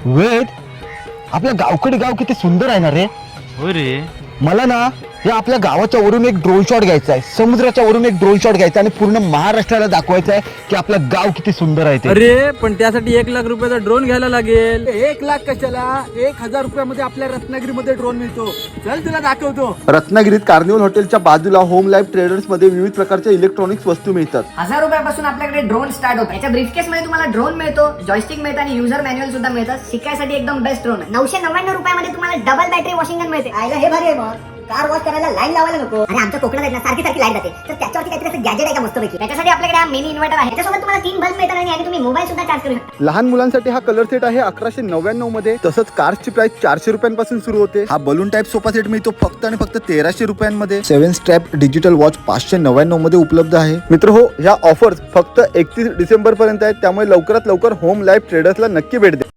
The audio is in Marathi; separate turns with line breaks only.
वेद, आपल्या गावकडे गाव किती सुंदर आहे ना रे.
हो रे.
मला ना या आपल्या गावाच्या वरून एक ड्रोन शॉट घ्यायचा आहे, समुद्राच्या वरून एक ड्रोन शॉट घ्यायचा आणि पूर्ण महाराष्ट्राला दाखवायचं आहे की आपलं गाव किती सुंदर आहे ते.
अरे पण त्यासाठी 1,00,000 रुपयाचा ड्रोन घ्यायला लागेल. 1,00,000 कशाला, 1,000 रुपयामध्ये आपल्या रत्नागिरीमध्ये ड्रोन मिळतो. चल तुला दाखवतो.
रत्नागिरीत कार्निवल हॉटेलच्या बाजूला होम लाईफ ट्रेडर्स मध्ये विविध प्रकारच्या इलेक्ट्रॉनिक्स वस्तू मिळतात.
1,000 रुपयापासून आपल्याकडे ड्रोन स्टार्ट होतो. याच्या ब्रीफकेस मध्ये तुम्हाला ड्रोन मिळतो, जॉयस्टिक मिळतं आणि युजर मॅन्युअल सुद्धा मिळतं. शिकायसाठी एकदम बेस्ट ड्रोन आहे.
999 रुपयामध्ये तुम्हाला डबल बॅटरी वॉशिंग गन मिळते. आयला हे भारी आहे. मग कार वॉश करायला लाईन लावायला नको. आणि आमच्या कोकणात आहे ना सारखी लाईट जाते, तर त्याच्यावरती काहीतरी असं गॅजेट आहे का मस्तपैकी. त्याच्यासाठी आपल्याकडे हा मिनी इन्व्हर्टर आहे. त्याच्यासोबत तुम्हाला 3 बल्ब मिळतात आणि तुम्ही मोबाईल सुद्धा चार्ज करू शकता.
लहान मुलांसाठी हा कलर सेट आहे 1199 मध्ये. तसंच कार्सची प्राइस 400 रुपयांपासून सुरू होते. हा बलून टाइप सोफा सेट मिळतो फक्त आणि फक्त 1300 रुपयांमध्ये. 7 स्ट्रॅप डिजिटल वॉच 599 मध्ये उपलब्ध आहे. मित्र हो, ह्या ऑफर्स फक्त 31 डिसेंबर पर्यंत आहेत, त्यामुळे लवकरात लवकर होम लाईफ ट्रेडर्सला नक्की भेट द्या.